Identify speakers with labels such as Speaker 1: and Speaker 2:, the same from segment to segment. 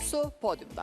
Speaker 1: Su podyumda.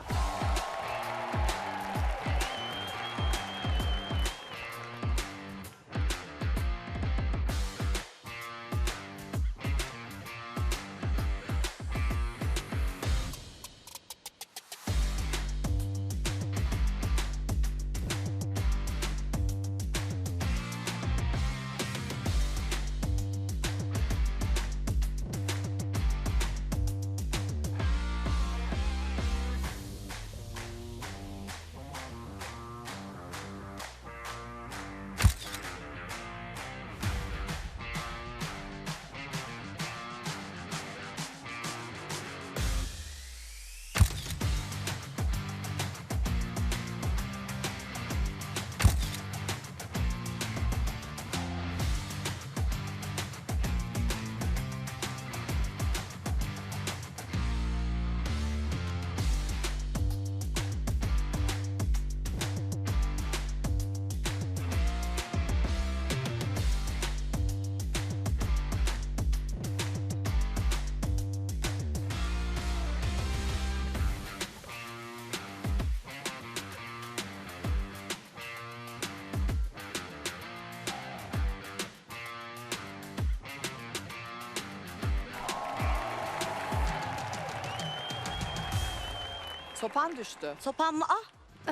Speaker 1: Sopan düştü.
Speaker 2: Sopan mı? Ah!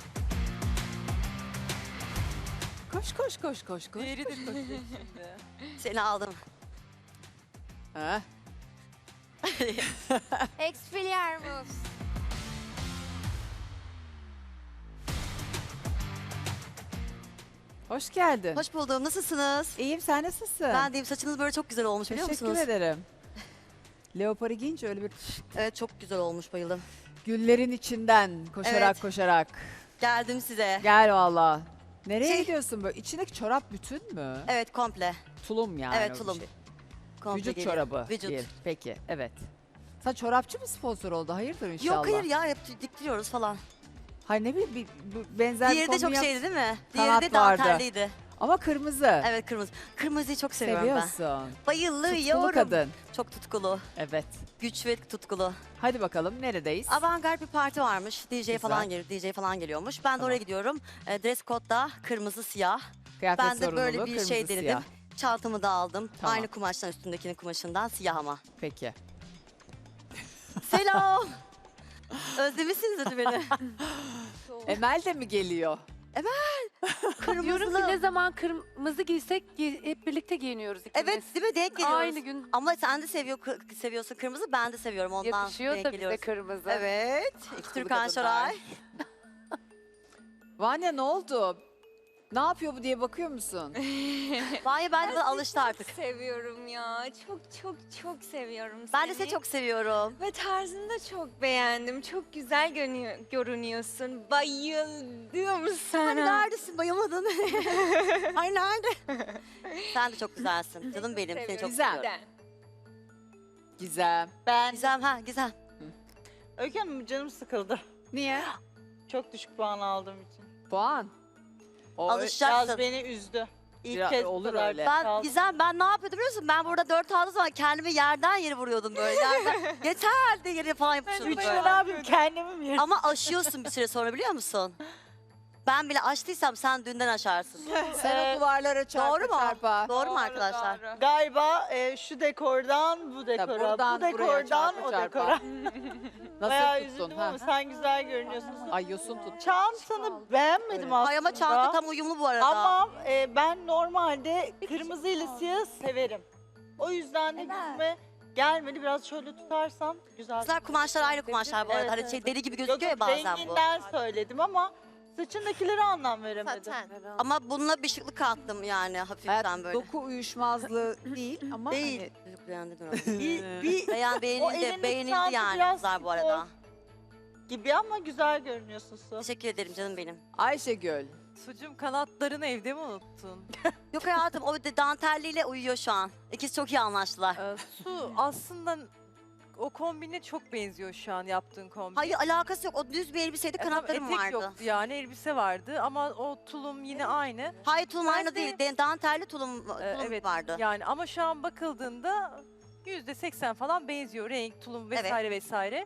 Speaker 1: Koş koş koş koş koş.
Speaker 3: Diğeri de koşuyor şimdi.
Speaker 2: Seni aldım.
Speaker 1: Ha?
Speaker 4: Expelliarmus.
Speaker 1: Hoş geldin.
Speaker 2: Hoş buldum. Nasılsınız?
Speaker 1: İyiyim, sen nasılsın?
Speaker 2: Ben deyim, saçınız böyle çok güzel olmuş biliyor
Speaker 1: Teşekkür
Speaker 2: musunuz?
Speaker 1: ederim. Leopar'ı giyince öyle bir
Speaker 2: Evet, çok güzel olmuş, bayıldım.
Speaker 1: güllerin içinden koşarak
Speaker 2: Evet.
Speaker 1: koşarak.
Speaker 2: Geldim size.
Speaker 1: Gel valla. Nereye
Speaker 2: Şey-
Speaker 1: gidiyorsun böyle? İçindeki çorap bütün mü?
Speaker 2: Evet, komple.
Speaker 1: Tulum yani.
Speaker 2: Evet,
Speaker 1: o bir
Speaker 2: tulum.
Speaker 1: şey.
Speaker 2: Komple
Speaker 1: Vücut
Speaker 2: geliyor.
Speaker 1: çorabı.
Speaker 2: Vücut.
Speaker 1: değil. Peki, evet. Sen çorapçı mı sponsor oldu? Hayırdır inşallah.
Speaker 2: Yok hayır ya, hep diktiriyoruz falan.
Speaker 1: Hayır ne bileyim benzer
Speaker 2: Diğeri
Speaker 1: bir
Speaker 2: de çok
Speaker 1: kombin yap-
Speaker 2: şeydi değil mi?
Speaker 1: Kanat
Speaker 2: Diğeri de
Speaker 1: vardı.
Speaker 2: dantelliydi.
Speaker 1: Ama kırmızı.
Speaker 2: Evet, kırmızı. Kırmızıyı çok seviyorum ben.
Speaker 1: Seviyorsun.
Speaker 2: Bayılıyorum.
Speaker 1: Tutkulu kadın.
Speaker 2: Çok tutkulu.
Speaker 1: Evet.
Speaker 2: Güç ve tutkulu.
Speaker 1: Hadi bakalım neredeyiz?
Speaker 2: Avantgard bir parti varmış.
Speaker 1: Güzel.
Speaker 2: DJ falan geliyormuş. Ben de
Speaker 1: Tamam.
Speaker 2: oraya gidiyorum. Dress code da kırmızı siyah.
Speaker 1: Kıyafet
Speaker 2: Ben de böyle
Speaker 1: sorumluluğu,
Speaker 2: bir
Speaker 1: kırmızı,
Speaker 2: şey denedim.
Speaker 1: siyah.
Speaker 2: Çantamı da aldım.
Speaker 1: Tamam.
Speaker 2: Aynı kumaştan, üstündekinin kumaşından, siyah ama.
Speaker 1: Peki.
Speaker 2: Selam. Özlemişsinizdir beni.
Speaker 1: Emel de mi geliyor?
Speaker 5: Diyorum ki ne zaman kırmızı giysek hep birlikte giyiniyoruz ikimiz.
Speaker 2: Evet, değil mi? Denk geliyoruz.
Speaker 5: Aynı gün
Speaker 2: Ama sen de seviyorsun kırmızı, ben de seviyorum ondan.
Speaker 5: yakışıyor
Speaker 2: denk
Speaker 5: da bize
Speaker 2: geliyoruz.
Speaker 5: kırmızı.
Speaker 2: Evet. İki Türkan
Speaker 1: kadınlar.
Speaker 2: Şoray.
Speaker 1: Vanya ne oldu? Ne yapıyor bu diye bakıyor musun?
Speaker 2: Vanya bence buna alıştı artık.
Speaker 4: Seviyorum ya. Çok çok çok seviyorum seni.
Speaker 2: Ben de seni çok seviyorum.
Speaker 4: Ve tarzını da çok beğendim. Çok güzel görünüyorsun. Bayıldım sana.
Speaker 2: Hani neredesin, bayılmadın? Ay nerede? Sen de çok güzelsin. Canım benim, seni çok
Speaker 1: Güzel.
Speaker 2: seviyorum.
Speaker 1: Gizem.
Speaker 6: Ben
Speaker 2: Gizem, Gizem.
Speaker 6: Öykü Hanım canım sıkıldı.
Speaker 1: Niye?
Speaker 6: Çok düşük puan aldığım için.
Speaker 1: Puan. O
Speaker 2: Alışacaksın.
Speaker 6: Biraz beni üzdü. İlk
Speaker 1: Biraz
Speaker 6: kez bu
Speaker 1: olur
Speaker 6: kadar
Speaker 1: öyle.
Speaker 2: Ben
Speaker 6: kaldım.
Speaker 2: Gizem, ben ne yapıyordum biliyor musun? Ben burada 4 aldığım zaman kendimi yerden yere vuruyordum böyle. Yerden, yeter de yere falan yapışıyordum
Speaker 6: Üçte
Speaker 2: böyle.
Speaker 6: ne yapayım kendimi mi yerim?
Speaker 2: Ama aşıyorsun bir süre sonra biliyor musun? Ben bile aştıysam sen dünden aşarsın.
Speaker 1: Sen o duvarlara çarpa
Speaker 2: Doğru mu?
Speaker 1: çarpa.
Speaker 2: Doğru mu arkadaşlar?
Speaker 6: Galiba şu dekordan bu dekora,
Speaker 1: buradan
Speaker 6: bu
Speaker 1: buraya
Speaker 6: dekordan
Speaker 1: çarpa
Speaker 6: o
Speaker 1: çarpa.
Speaker 6: dekora. Bayağı
Speaker 1: Nasıl tuttun?
Speaker 6: üzüldüm
Speaker 1: Ha?
Speaker 6: ama sen güzel görünüyorsun.
Speaker 1: Ay yosun tut.
Speaker 6: Çantanı beğenmedim aslında.
Speaker 2: Ay ama çanta tam uyumlu bu arada.
Speaker 6: Ama ben normalde kırmızı ile siyah severim. O yüzden de yüzüme gelmedi. Biraz şöyle tutarsan güzel.
Speaker 2: Kızlar kumaşlar ayrı kumaşlar bu arada.
Speaker 6: Evet,
Speaker 2: Hani
Speaker 6: evet.
Speaker 2: şey deli gibi
Speaker 6: Yok,
Speaker 2: gözüküyor ya bazen bu.
Speaker 6: renginden söyledim ama saçındakilere anlam veremedim.
Speaker 4: Zaten.
Speaker 2: Ama bununla bir şıklık kattım yani hafiften
Speaker 1: Hayat,
Speaker 2: böyle.
Speaker 1: doku uyuşmazlığı değil ama
Speaker 2: Değil.
Speaker 1: hani
Speaker 2: Çocuk beğendi mi?
Speaker 6: Bir
Speaker 2: Beğen,
Speaker 6: O
Speaker 2: beğenildi,
Speaker 6: elindeki
Speaker 2: beğenildi
Speaker 6: çanta
Speaker 2: yani
Speaker 6: biraz
Speaker 2: kızlar bu
Speaker 6: spor.
Speaker 2: arada.
Speaker 6: gibi ama güzel görünüyorsun Su.
Speaker 2: Teşekkür ederim canım benim.
Speaker 1: Ayşegül.
Speaker 3: Sucum kanatlarını evde mi unuttun?
Speaker 2: Yok hayatım o de dantelliyle uyuyor şu an. İkisi çok iyi anlaştılar.
Speaker 3: Su aslında o kombine çok benziyor şu an yaptığın kombin.
Speaker 2: Hayır alakası yok. O düz bir elbiseydi,
Speaker 3: Tamam,
Speaker 2: kanatlarım
Speaker 3: etek
Speaker 2: vardı.
Speaker 3: yoktu yani elbise vardı ama o tulum yine aynı.
Speaker 2: Hayır tulum aynı
Speaker 3: Ben de-
Speaker 2: değil. Dantelli tulum
Speaker 3: Evet
Speaker 2: vardı.
Speaker 3: yani ama şu an bakıldığında %80 falan benziyor renk, tulum vesaire vesaire.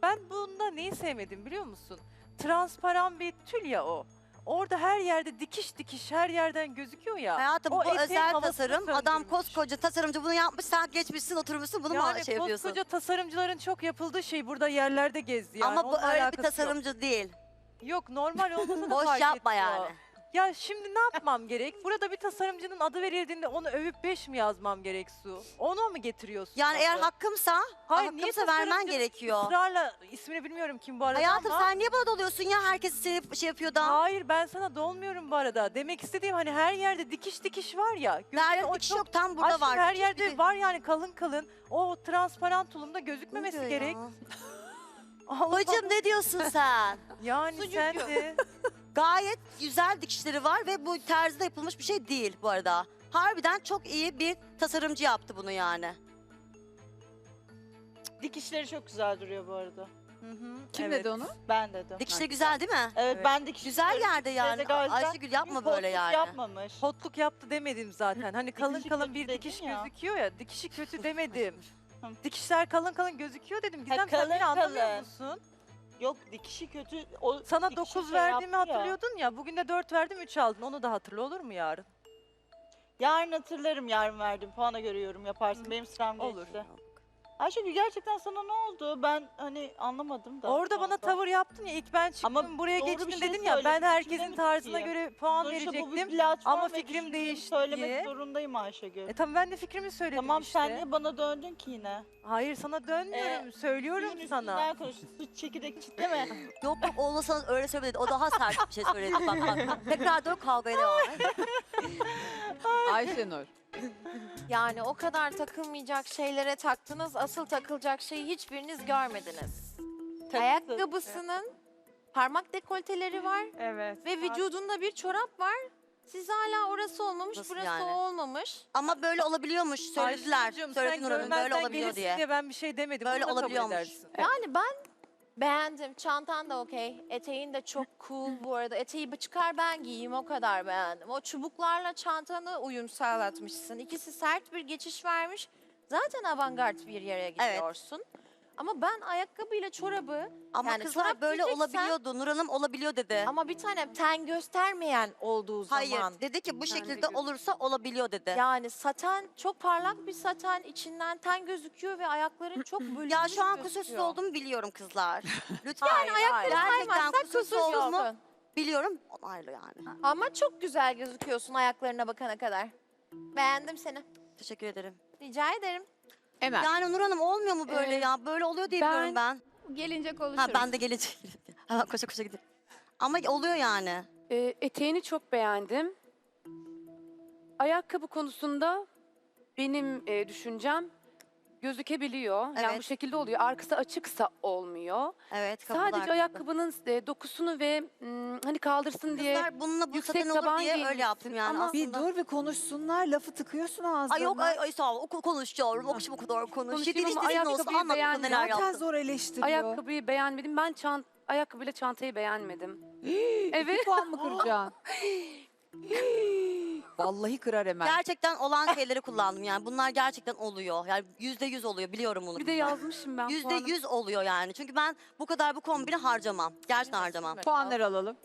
Speaker 3: Ben bunda neyi sevmedim biliyor musun? Transparan bir tül ya o. Orada her yerde dikiş dikiş her yerden gözüküyor ya.
Speaker 2: Hayatım
Speaker 3: o
Speaker 2: bu
Speaker 3: eteğin
Speaker 2: özel
Speaker 3: havasını
Speaker 2: tasarım. Adam
Speaker 3: söndürmüş.
Speaker 2: koskoca tasarımcı bunu yapmış. Sen geçmişsin oturmuşsun bunu mu
Speaker 3: Yani
Speaker 2: şey yapıyorsun?
Speaker 3: koskoca tasarımcıların çok yapıldığı şey burada yerlerde gezdi yani.
Speaker 2: Ama bu
Speaker 3: Onunla
Speaker 2: öyle bir
Speaker 3: alakası
Speaker 2: tasarımcı değil.
Speaker 3: Yok normal olmasa da
Speaker 2: Boş
Speaker 3: fark
Speaker 2: yapma
Speaker 3: etmiyor.
Speaker 2: yani.
Speaker 3: Ya şimdi ne yapmam gerek? Burada bir tasarımcının adı verildiğinde onu övüp 5 mi yazmam gerek Su? Onu mu getiriyorsun?
Speaker 2: Yani eğer
Speaker 3: adı?
Speaker 2: hakkımsa,
Speaker 3: Hayır, niye
Speaker 2: hakkımsa vermen
Speaker 3: tasarımcı
Speaker 2: gerekiyor.
Speaker 3: ısrarla ismini bilmiyorum kim bu arada
Speaker 2: Hayatım
Speaker 3: ama.
Speaker 2: sen niye bana doluyorsun ya? Herkes seni şey yapıyor da.
Speaker 3: Hayır ben sana dolmuyorum bu arada. Demek istediğim hani her yerde dikiş dikiş var ya. gözüne
Speaker 2: Nerede
Speaker 3: o
Speaker 2: dikiş
Speaker 3: çok-
Speaker 2: yok tam burada
Speaker 3: Aşkım,
Speaker 2: var.
Speaker 3: her
Speaker 2: Dikiş
Speaker 3: yerde
Speaker 2: dikiş.
Speaker 3: var yani kalın kalın. O transparan tulumda
Speaker 2: Ne
Speaker 3: gözükmemesi
Speaker 2: diyor
Speaker 3: gerek.
Speaker 2: ya?
Speaker 3: Allah
Speaker 2: Bacım ne diyorsun sen?
Speaker 3: Yani sen de.
Speaker 2: Gayet güzel dikişleri var ve bu terzide yapılmış bir şey değil bu arada. Harbiden çok iyi bir tasarımcı yaptı bunu yani.
Speaker 6: Dikişleri çok güzel duruyor bu arada.
Speaker 3: Hı hı,
Speaker 5: Kim
Speaker 3: evet.
Speaker 5: dedi onu?
Speaker 6: Ben dedim.
Speaker 2: Dikişleri güzel değil mi?
Speaker 6: Evet,
Speaker 3: Evet.
Speaker 6: ben dikiş
Speaker 2: Güzel yerde yani.
Speaker 6: gayet güzel.
Speaker 2: Ayşegül yapma
Speaker 6: Bir
Speaker 2: böyle
Speaker 6: boşluk
Speaker 2: yani.
Speaker 6: yapmamış.
Speaker 3: Hotluk yaptı demedim zaten. Hani kalın
Speaker 6: Dikişi
Speaker 3: kalın
Speaker 6: kötü
Speaker 3: bir
Speaker 6: dedin
Speaker 3: dikiş
Speaker 6: ya.
Speaker 3: gözüküyor ya. Dikişi kötü demedim.
Speaker 6: Hı.
Speaker 3: Dikişler kalın kalın gözüküyor dedim. Gizem sen
Speaker 6: kalın
Speaker 3: beni anlamıyor
Speaker 6: kalın.
Speaker 3: musun?
Speaker 6: Yok dikişi kötü. O
Speaker 3: Sana
Speaker 6: dikişi
Speaker 3: 9
Speaker 6: şey
Speaker 3: verdiğimi
Speaker 6: yaptı ya.
Speaker 3: hatırlıyordun ya. Bugün de 4 verdim 3 aldın. Onu da hatırla olur mu yarın?
Speaker 6: Yarın hatırlarım yarın verdim. Puana göre yorum yaparsın. Benim sıram geçti.
Speaker 3: Olur.
Speaker 6: Ayşegül gerçekten sana ne oldu? Ben hani anlamadım da.
Speaker 3: Orada bana tavır yaptın ya. İlk ben çıktım
Speaker 6: Ama
Speaker 3: buraya
Speaker 6: doğru bir
Speaker 3: geçtin
Speaker 6: şey
Speaker 3: dedin ya. Ben
Speaker 6: söyledin,
Speaker 3: herkesin
Speaker 6: düşünemedim
Speaker 3: tarzına
Speaker 6: ki.
Speaker 3: göre puan
Speaker 6: Sonuçta bu bir
Speaker 3: verecektim.
Speaker 6: platform
Speaker 3: ama
Speaker 6: ve
Speaker 3: fikrim
Speaker 6: düşündüğümü
Speaker 3: değişti
Speaker 6: söylemek
Speaker 3: diye.
Speaker 6: zorundayım Ayşegül.
Speaker 3: Tamam ben de fikrimi söyledim
Speaker 6: Tamam
Speaker 3: işte.
Speaker 6: sen niye bana döndün ki yine?
Speaker 3: Hayır sana dönmüyorum. Söylüyorum
Speaker 6: Suyun
Speaker 3: sana.
Speaker 6: üstünden konuş. Su çekirdek çitleme.
Speaker 2: Yok yok olmasanız öyle söylemedi. O daha sert bir şey söyledi. Bak bak. Tekrar dön kavgaya devam et.
Speaker 1: Ayşenur.
Speaker 7: Yani o kadar takılmayacak şeylere taktınız, asıl takılacak şeyi hiçbiriniz görmediniz. Ayakkabısının parmak dekolteleri var
Speaker 3: Evet.
Speaker 7: ve vücudunda bir çorap var. Siz hala orası olmamış,
Speaker 2: Nasıl
Speaker 7: burası
Speaker 2: yani?
Speaker 7: o olmamış.
Speaker 2: Ama böyle olabiliyormuş. Söylediler.
Speaker 3: Ayşe'cim,
Speaker 2: Söyledi
Speaker 3: sen
Speaker 2: Nur Hanım böyle
Speaker 3: görmezden
Speaker 2: olabiliyor
Speaker 3: gelirsin
Speaker 2: diye.
Speaker 3: Ben bir şey demedim.
Speaker 2: Böyle
Speaker 3: Bunu da kabul
Speaker 2: olabiliyormuş.
Speaker 3: edersin.
Speaker 7: Yani ben beğendim. Çantan da okey. Eteğin de çok cool bu arada. Eteği bir çıkar ben giyeyim o kadar beğendim. O çubuklarla çantanı uyum sağlatmışsın. İkisi sert bir geçiş vermiş. Zaten avantgard bir yere gidiyorsun. Ama ben ayakkabıyla çorabı
Speaker 2: Ama
Speaker 7: yani
Speaker 2: kızlar
Speaker 7: çorap
Speaker 2: böyle
Speaker 7: giyeceksen-
Speaker 2: olabiliyordu. Nur Hanım olabiliyor dedi.
Speaker 7: ama bir tane ten göstermeyen olduğu
Speaker 2: Hayır
Speaker 7: zaman.
Speaker 2: dedi ki bu
Speaker 7: Ten
Speaker 2: şekilde
Speaker 7: de
Speaker 2: olursa olabiliyor dedi.
Speaker 7: Yani saten çok parlak bir saten içinden ten gözüküyor ve ayakların çok bölünmüş
Speaker 2: Ya şu an
Speaker 7: gözüküyor.
Speaker 2: kusursuz olduğumu biliyorum kızlar. Lütfen.
Speaker 7: Yani ayakları
Speaker 2: Gerçekten
Speaker 7: saymazsak
Speaker 2: kusursuz olduğumu
Speaker 7: kusursuzsun.
Speaker 2: biliyorum. Onaylı yani.
Speaker 7: Ama çok güzel gözüküyorsun ayaklarına bakana kadar. Beğendim seni.
Speaker 2: Teşekkür ederim.
Speaker 7: Rica ederim.
Speaker 1: Emel.
Speaker 2: Yani Nur Hanım olmuyor mu böyle
Speaker 5: Ee,
Speaker 2: ya? Böyle oluyor diye
Speaker 5: ben-
Speaker 2: biliyorum ben.
Speaker 5: Gelince konuşuruz.
Speaker 2: Ha ben de gelecek. Hemen koşa koşa gidelim. Ama oluyor yani.
Speaker 5: Eteğini çok beğendim. Ayakkabı konusunda benim düşüncem gözükebiliyor. Yani
Speaker 2: Evet.
Speaker 5: bu şekilde oluyor. Arkası açıksa olmuyor.
Speaker 2: Evet. kapılar
Speaker 5: Sadece
Speaker 2: kapalı.
Speaker 5: ayakkabının dokusunu ve hani kaldırsın diye
Speaker 2: Kızlar bununla bu
Speaker 5: yüksek
Speaker 2: saten olur
Speaker 5: taban
Speaker 2: diye öyle
Speaker 5: giymişsin
Speaker 2: yaptım yani
Speaker 5: ama-
Speaker 2: aslında.
Speaker 8: Bir dur bir konuşsunlar, lafı tıkıyorsun ağzına.
Speaker 2: Ay yok ay sağ ol. Konuşuyorum. O bu kadar konuş.
Speaker 5: Konuşayım
Speaker 2: Yediğin
Speaker 5: ama
Speaker 2: istediğin olsun.
Speaker 5: ayakkabıyı
Speaker 2: Anlat bakalım neler
Speaker 8: Zaten
Speaker 2: yaptın.
Speaker 8: zor eleştiriyor.
Speaker 5: ayakkabıyı beğenmedim. Ben ayakkabıyla çantayı beğenmedim. Evet.
Speaker 1: 2 puan mı kıracaksın? Vallahi kırar hemen.
Speaker 2: Gerçekten olan şeyleri kullandım yani. Bunlar gerçekten oluyor. Yani %100 oluyor. Biliyorum bunu.
Speaker 5: Bir de yazmışım ben. puanı.
Speaker 2: %100 oluyor yani. Çünkü ben bu kadar bu kombini harcamam. Gerçekten harcamam.
Speaker 1: Puanları alalım.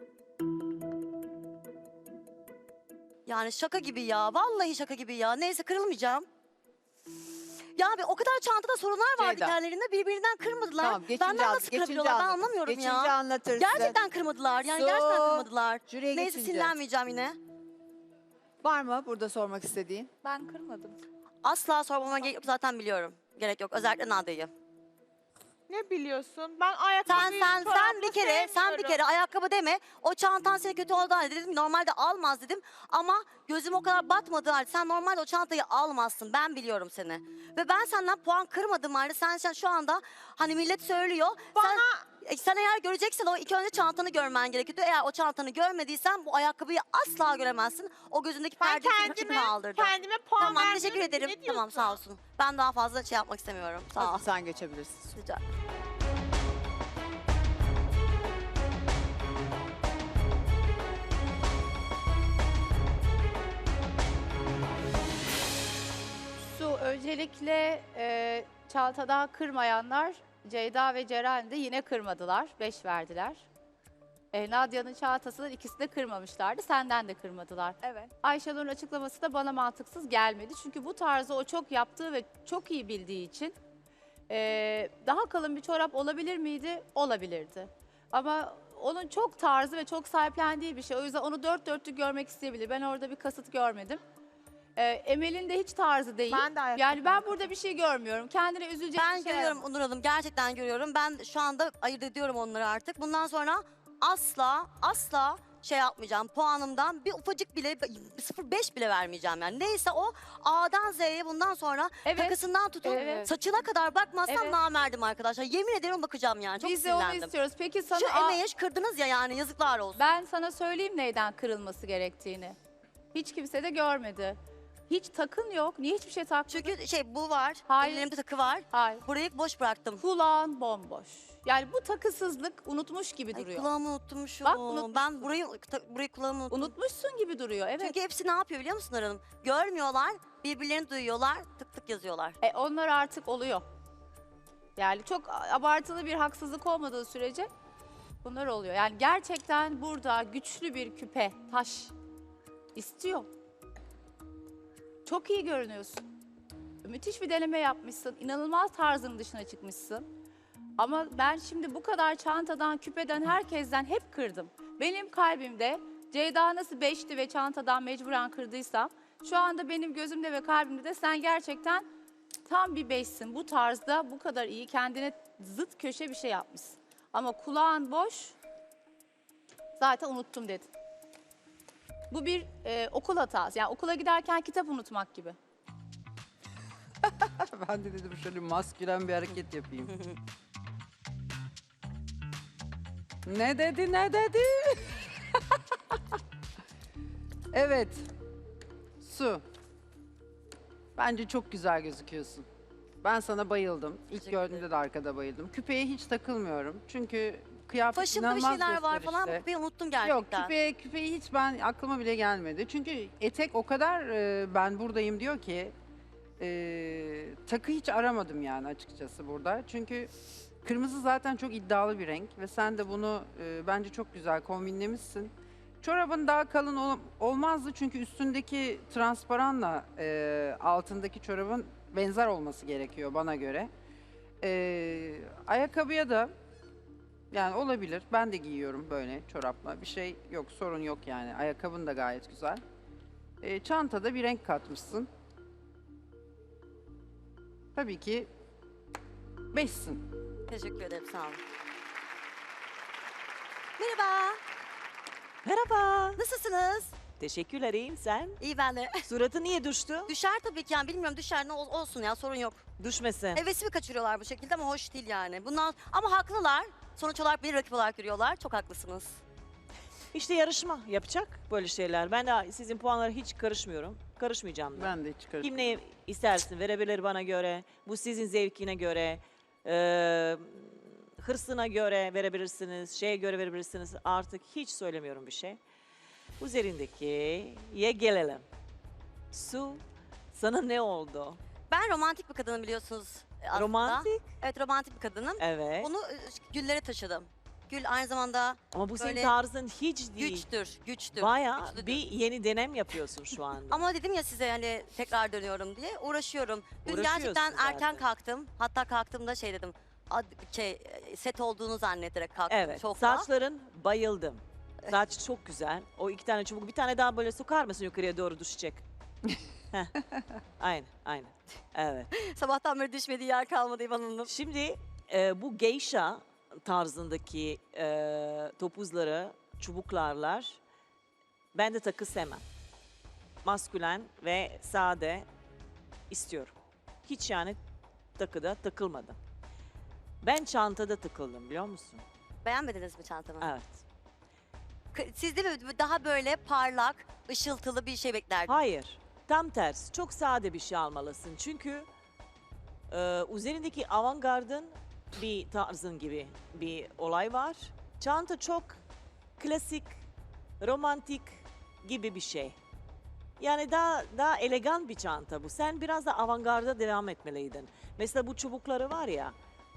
Speaker 2: Yani şaka gibi ya. Vallahi şaka gibi ya. Neyse kırılmayacağım. Ya abi o kadar çantada sorunlar vardı
Speaker 1: Ceyda.
Speaker 2: kendilerinde. Birbirinden kırmadılar.
Speaker 1: Tamam
Speaker 2: Benden nasıl kırabiliyorlar ben anlamıyorum
Speaker 1: geçince
Speaker 2: ya.
Speaker 1: anlatırsın.
Speaker 2: Gerçekten kırmadılar. Yani
Speaker 1: Su.
Speaker 2: gerçekten kırmadılar.
Speaker 1: Jüriye
Speaker 2: Neyse
Speaker 1: geçince.
Speaker 2: sinirlenmeyeceğim yine.
Speaker 1: Var mı burada sormak istediğin?
Speaker 5: Ben kırmadım.
Speaker 2: Asla sormama gerek yok zaten biliyorum. Gerek yok. Özellikle Nadia'yı.
Speaker 6: Ne biliyorsun? Ben ayakkabıyı
Speaker 2: Sen bir kere ayakkabı deme. O çantan seni kötü oldu halde dedim. Normalde almaz dedim. Ama gözüm o kadar batmadı halde sen normalde o çantayı almazsın. Ben biliyorum seni. Ve ben senden puan kırmadım halde sen şu anda hani millet söylüyor. Sen eğer göreceksen o ilk önce çantanı görmen gerekiyordu. Eğer o çantanı görmediysen bu ayakkabıyı asla göremezsin. O gözündeki perdeyi kendime aldırdı.
Speaker 6: Kendime puan
Speaker 2: Tamam
Speaker 6: vermiyorum
Speaker 2: teşekkür
Speaker 6: ki,
Speaker 2: ederim.
Speaker 6: ne diyorsun?
Speaker 2: Tamam sağ olsun. Ben daha fazla şey yapmak istemiyorum. Sağ ol.
Speaker 1: Hadi sen geçebilirsin.
Speaker 2: Rica
Speaker 9: Su öncelikle çantadan kırmayanlar Ceyda ve Ceren de yine kırmadılar. 5 verdiler. Nadia'nın çantasından ikisi de kırmamışlardı. Senden de kırmadılar.
Speaker 7: Evet.
Speaker 9: Ayşenur'un açıklaması da bana mantıksız gelmedi. Çünkü bu tarzı o çok yaptığı ve çok iyi bildiği için daha kalın bir çorap olabilir miydi? Olabilirdi. Ama onun çok tarzı ve çok sahiplendiği bir şey. O yüzden onu dört dörtlük görmek isteyebilir. Ben orada bir kasıt görmedim. Emel'in de hiç tarzı değil.
Speaker 7: Ben de ayakkabı
Speaker 9: Yani ben burada bir şey görmüyorum. Kendine üzülecek
Speaker 2: Ben
Speaker 9: bir şey
Speaker 2: görüyorum Onur Hanım, gerçekten görüyorum. Ben şu anda ayırt ediyorum onları artık. Bundan sonra asla şey yapmayacağım. Puanımdan bir ufacık bile 0,5 bile vermeyeceğim yani. Neyse o A'dan Z'ye bundan sonra
Speaker 9: Evet.
Speaker 2: takısından tutun
Speaker 9: Evet.
Speaker 2: saçına kadar bakmazsam
Speaker 9: Evet.
Speaker 2: namerdim arkadaşlar. Yemin ederim bakacağım yani. Çok
Speaker 9: Biz de onu
Speaker 2: sinirlendim.
Speaker 9: istiyoruz. Peki sana
Speaker 2: Şu emeği kırdınız ya, yani yazıklar olsun.
Speaker 9: ben sana söyleyeyim neyden kırılması gerektiğini. Hiç kimse de görmedi. Hiç takın yok. Niye hiçbir şey takmadın?
Speaker 2: Çünkü bu var.
Speaker 9: Hayır.
Speaker 2: Ellerimde takı var.
Speaker 9: Hayır.
Speaker 2: Burayı boş bıraktım.
Speaker 9: Kulağın bomboş. Yani bu takısızlık unutmuş gibi
Speaker 2: Ay,
Speaker 9: duruyor.
Speaker 2: kulağımı unutmuşum.
Speaker 9: Bak, unutmuşsun.
Speaker 2: Ben burayı kulağımı unuttum.
Speaker 9: Unutmuşsun gibi duruyor. Evet.
Speaker 2: Çünkü hepsi ne yapıyor biliyor musun Hanım? Görmüyorlar, birbirlerini duyuyorlar, tık tık yazıyorlar.
Speaker 9: Onlar artık oluyor. Yani çok abartılı bir haksızlık olmadığı sürece bunlar oluyor. Yani gerçekten burada güçlü bir küpe, taş istiyor. Çok iyi görünüyorsun. Müthiş bir deneme yapmışsın. İnanılmaz tarzın dışına çıkmışsın. Ama ben şimdi bu kadar çantadan, küpeden, herkesten hep kırdım. Benim kalbimde Ceyda nasıl 5'ti ve çantadan mecburen kırdıysam, şu anda benim gözümde ve kalbimde de sen gerçekten tam bir 5'sin. Bu tarzda bu kadar iyi, kendine zıt köşe bir şey yapmışsın. Ama kulağın boş, zaten unuttum dedin. Bu bir okul hatası. Yani okula giderken kitap unutmak gibi.
Speaker 10: Ben de dedim şöyle maskülen bir hareket yapayım. Ne dedi? Evet. Su. Bence çok güzel gözüküyorsun. Ben sana bayıldım. İlk
Speaker 2: Teşekkür
Speaker 10: gördüğümde de arkada bayıldım. Küpeye hiç takılmıyorum. Çünkü kıyafet
Speaker 2: Başımda bir
Speaker 10: inanılmaz
Speaker 2: şeyler var falan,
Speaker 10: gösterişli.
Speaker 2: kupeyi unuttum
Speaker 10: Yok
Speaker 2: gerçekten.
Speaker 10: küpeyi hiç ben aklıma bile gelmedi. Çünkü etek o kadar ben buradayım diyor ki takı hiç aramadım yani açıkçası burada. Çünkü kırmızı zaten çok iddialı bir renk ve sen de bunu bence çok güzel kombinlemişsin. Çorabın daha kalın olmazdı çünkü üstündeki transparanla altındaki çorabın benzer olması gerekiyor bana göre. Ayakkabıya da yani olabilir. Ben de giyiyorum böyle çorapla. Bir şey yok, sorun yok yani. Ayakkabın da gayet güzel. Çantada bir renk katmışsın. Tabii ki 5'sin.
Speaker 2: Teşekkür ederim, sağ olun. Merhaba,
Speaker 11: Merhaba.
Speaker 2: nasılsınız?
Speaker 11: Teşekkürler, iyiyim sen.
Speaker 2: İyi ben de.
Speaker 11: Suratı niye düştü?
Speaker 2: Düşer tabii ki yani, bilmiyorum, düşer, ne olsun ya, sorun yok.
Speaker 11: Düşmesin.
Speaker 2: Hevesimi kaçırıyorlar bu şekilde ama hoş değil yani. Bundan ama haklılar. Sonuç olarak bir rakip olarak görüyorlar. Çok haklısınız.
Speaker 11: İşte yarışma yapacak böyle şeyler. Ben de sizin puanlara hiç karışmıyorum. Karışmayacağım da.
Speaker 10: Ben de hiç karışmam.
Speaker 11: Kim ne istersin verebilir bana göre. Bu sizin zevkine göre. Hırsına göre verebilirsiniz. Şeye göre verebilirsiniz. Artık hiç söylemiyorum bir şey. Üzerindekiye gelelim. Su, sana ne oldu?
Speaker 2: Ben romantik bir kadınım biliyorsunuz aslında.
Speaker 11: Romantik?
Speaker 2: Evet, romantik bir kadınım.
Speaker 11: Evet.
Speaker 2: Onu güllere taşıdım. Gül aynı zamanda
Speaker 11: Ama bu senin
Speaker 2: böyle
Speaker 11: tarzın hiç değil.
Speaker 2: güçtür.
Speaker 11: Bayağı
Speaker 2: güçlüdür.
Speaker 11: bir yeni denem yapıyorsun şu anda.
Speaker 2: Ama dedim ya size, hani tekrar dönüyorum diye uğraşıyorum. Dün
Speaker 11: Uğraşıyorsun
Speaker 2: gerçekten erken
Speaker 11: zaten.
Speaker 2: kalktım. Hatta kalktığımda şey dedim. Set olduğunu zannederek kalktım.
Speaker 11: Evet,
Speaker 2: Şokla.
Speaker 11: saçların bayıldım. Saç çok güzel. O 2 tane çubuk, bir tane daha böyle sokar mısın yukarıya doğru düşecek? Heh. Aynen. Evet.
Speaker 2: Sabahtan beri düşmediği yer kalmadı İvan Hanım.
Speaker 11: Şimdi bu geisha tarzındaki topuzları, çubuklarlar ben de takı sevmem. Maskülen ve sade istiyorum. Hiç yani takıda takılmadım. Ben çantada takıldım biliyor musun?
Speaker 2: Beğenmediniz mi çantamı?
Speaker 11: Evet.
Speaker 2: Siz de mi daha böyle parlak, ışıltılı bir şey beklerdiniz?
Speaker 11: Hayır. Tam tersi. Çok sade bir şey almalısın. Çünkü üzerindeki avantgardın bir tarzın gibi bir olay var. Çanta çok klasik, romantik gibi bir şey. Yani daha elegan bir çanta bu. Sen biraz da avantgarda devam etmeliydin. Mesela bu çubukları var ya,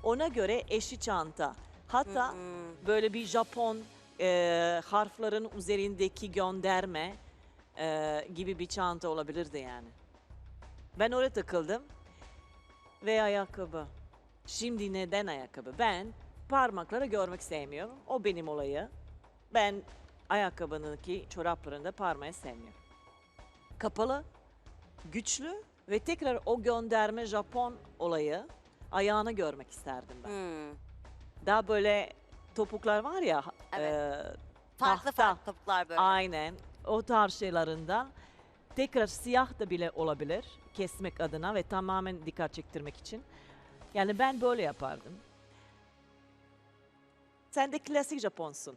Speaker 11: Ona göre eşi çanta. Hatta böyle bir Japon harflerin üzerindeki gönderme gibi bir çanta olabilirdi yani. Ben oraya takıldım. Ve ayakkabı. Şimdi neden ayakkabı? Ben parmakları görmek sevmiyorum. O benim olayı. Ben ayakkabınınki çoraplarında parmağı sevmiyorum. Kapalı, güçlü ve tekrar o gönderme Japon olayı ayağını görmek isterdim ben. Daha böyle topuklar var ya.
Speaker 2: Evet. Farklı
Speaker 11: tahta.
Speaker 2: farklı topuklar böyle.
Speaker 11: Aynen. O tarz şeylerinden. Tekrar siyah da bile olabilir. Kesmek adına ve tamamen dikkat çektirmek için. Yani ben böyle yapardım. Sen de klasik Japonsun.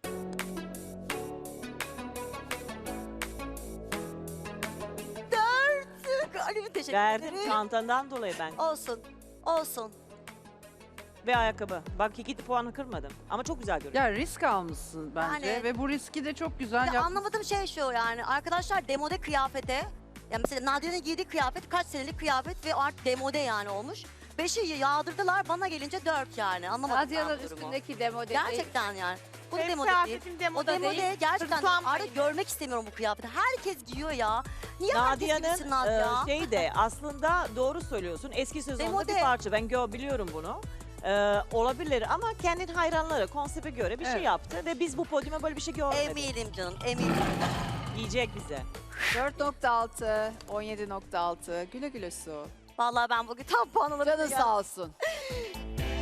Speaker 2: Ali'ye teşekkür
Speaker 11: Verdim
Speaker 2: ederim.
Speaker 11: çantandan dolayı ben.
Speaker 2: Olsun. Olsun.
Speaker 11: Ve ayakkabı. Bak 2 puanı kırmadım. Ama çok güzel görünüyor.
Speaker 10: Ya risk almışsın bence
Speaker 2: Yani-
Speaker 10: ve bu riski de çok güzel
Speaker 2: Ya
Speaker 10: yapmışsın.
Speaker 2: anlamadığım şey şu yani arkadaşlar demode kıyafete ya mesela Nadire'nin giydiği kıyafet kaç senelik kıyafet ve artık demode yani olmuş. 5'i yağdırdılar bana gelince 4 yani anlamadım
Speaker 9: Nadia'nın
Speaker 2: ben bu durumu.
Speaker 9: üstündeki demode değil.
Speaker 2: Gerçekten yani. Bu
Speaker 7: Benim
Speaker 2: demode değil.
Speaker 7: kıyafetim
Speaker 2: O
Speaker 7: demode
Speaker 2: demode
Speaker 7: değil.
Speaker 2: gerçekten
Speaker 7: Hırslanmayın.
Speaker 2: artık görmek istemiyorum bu kıyafeti. Herkes giyiyor ya. Niye herkes gibisin
Speaker 11: Nadia'nın
Speaker 2: Nadia?
Speaker 11: şey de aslında doğru söylüyorsun. Eski sezonda
Speaker 2: Demode.
Speaker 11: bir parça. Ben biliyorum bunu. Olabilir ama kendin hayranları konsepte göre bir şey
Speaker 10: Evet.
Speaker 11: yaptı ve biz bu podyuma böyle bir şey görmedik.
Speaker 2: Eminim canım eminim.
Speaker 11: Yiyecek bize.
Speaker 1: 4.6, 17.6. Güle güle Su.
Speaker 2: Vallahi ben bugün tam puan alırım.
Speaker 1: Canın sağ olsun.